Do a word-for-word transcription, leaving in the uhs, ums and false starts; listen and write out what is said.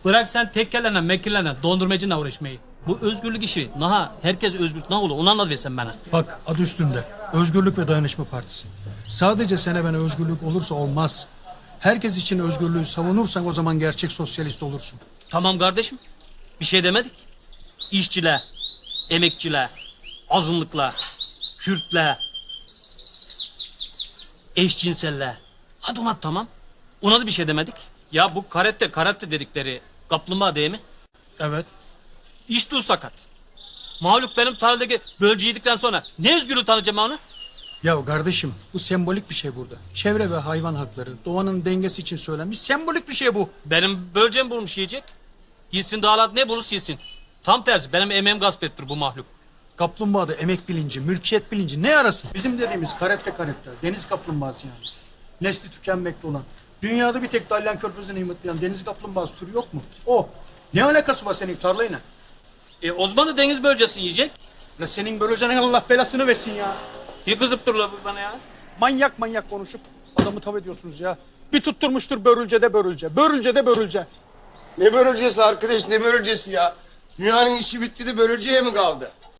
Bırak sen tekkelene, mekkelene, dondurmacıyla uğraşmayı. Bu özgürlük işi, naha herkes özgür, ne olur onu anlat versen bana. Bak adı üstünde. Özgürlük ve Dayanışma Partisi. Sadece sana bana özgürlük olursa olmaz. Herkes için özgürlüğü savunursan o zaman gerçek sosyalist olursun. Tamam kardeşim, bir şey demedik. İşçiler, emekçiler, azınlıklar, Kürtler, eşcinseller. Hadi ona tamam. Ona da bir şey demedik. Ya bu karate karate dedikleri kaplumbağa değil mi? Evet. İşte o sakat. Mahluk benim tarladaki bölücü yedikten sonra ne özgürlüğü tanıyacağım onu? Ya kardeşim bu sembolik bir şey burada. Çevre ve hayvan hakları, doğanın dengesi için söylenmiş sembolik bir şey bu. Benim böleceğim bulmuş yiyecek. Yesin dağlat ne bulursa yesin. Tam tersi benim emeğim gasp ettir bu mahluk. Kaplumbağada emek bilinci, mülkiyet bilinci ne arasın? Bizim dediğimiz karette karette, deniz kaplumbağası yani. Nesli tükenmekte olan. Dünyada bir tek Dalyan Körfezi'ne himmetleyen deniz kaplumbağası türü yok mu? O. Ne alakası var senin tarlayla? E Osman da deniz bölcesini yiyecek. La senin böleceğine Allah belasını versin ya. Bir kızıp dur la bu bana ya. Manyak manyak konuşup adamı tav ediyorsunuz ya. Bir tutturmuştur börülce de börülce, börülce de börülce. Ne börülcesi arkadaş, ne börülcesi ya? Dünyanın işi bitti de börülceye mi kaldı?